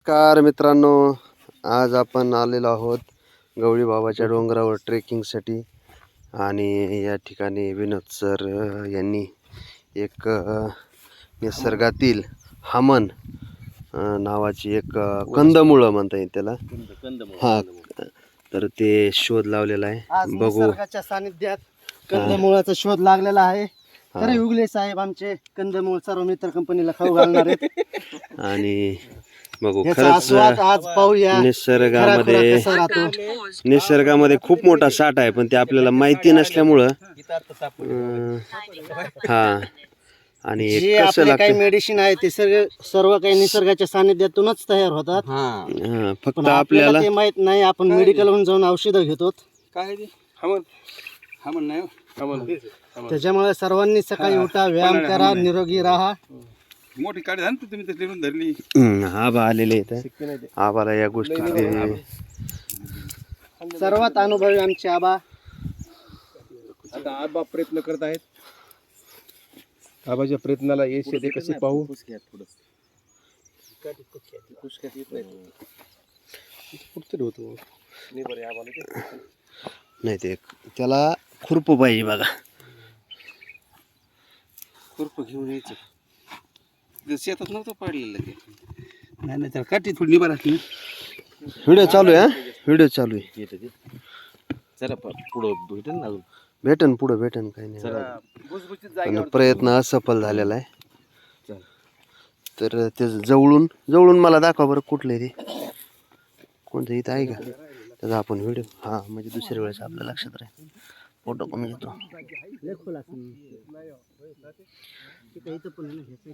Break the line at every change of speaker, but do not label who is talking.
नमस्कार मित्रांनो, आज आपण आलेलो आहोत गवळी बाबाच्या डोंगरावर ट्रेकिंगसाठी. आणि या ठिकाणी विनोद सर यांनी एक निसर्गातील हमन नावाची एक कंदमुळं म्हणता येईल त्याला, हा, तर ते शोध लावलेला आहे. बघू,
निसर्गाच्या सानिध्यात कंदमुळाचा शोध लागलेला आहे. तरी उगले साहेब आमचे कंदमुळ सर्व मित्र कंपनीला खाऊ घालणार आहेत.
आणि बघू
याचा आस्वाद आज पाहूया.
निसर्गामध्ये खूप मोठा साठ आहे, पण ते आपल्याला माहिती नसल्यामुळं हा. आणि
जे
कसं
आपले काही
लागतं,
मेडिसिन आहे ते सर्व काही निसर्गाच्या सानिध्यातूनच तयार होतात.
फक्त
पण
आपल्याला
ते माहित नाही. आपण मेडिकलहून जाऊन औषधं घेतो. त्याच्यामुळे सर्वांनी सकाळी उठा, व्यायाम करा, निरोगी राहा.
मोठी काढी झाली तुम्ही तसली पण धरली.
आबा आलेले आहेत. आबाला या गोष्टी
सर्वात अनुभवी आमचे आबा.
आता आबा प्रयत्न करत आहेत. आबाच्या प्रयत्नाला यश येते कसे पाहू.
नाही, ते त्याला खुरप पाहिजे बघा.
खुरप घेऊन यायचं. शेतात नव्हतं पाडलेलं ते. नाही नाही, त्याला काठी थोडी निभा राखली.
व्हिडिओ चालू आहे, व्हिडिओ चालू आहे.
जरा पुढं भेटेल ना अजून.
भेटन पुढं भेटन, काही नाही. पण प्रयत्न असफल झालेला आहे. तर ते जवळून मला दाखवा बरं, कुठलं ते कोणतं इथं आहे का त्याचा आपण व्हिडिओ. हा, म्हणजे दुसऱ्या वेळेस आपल्या लक्षात राहील. फोटो कमी घेतो.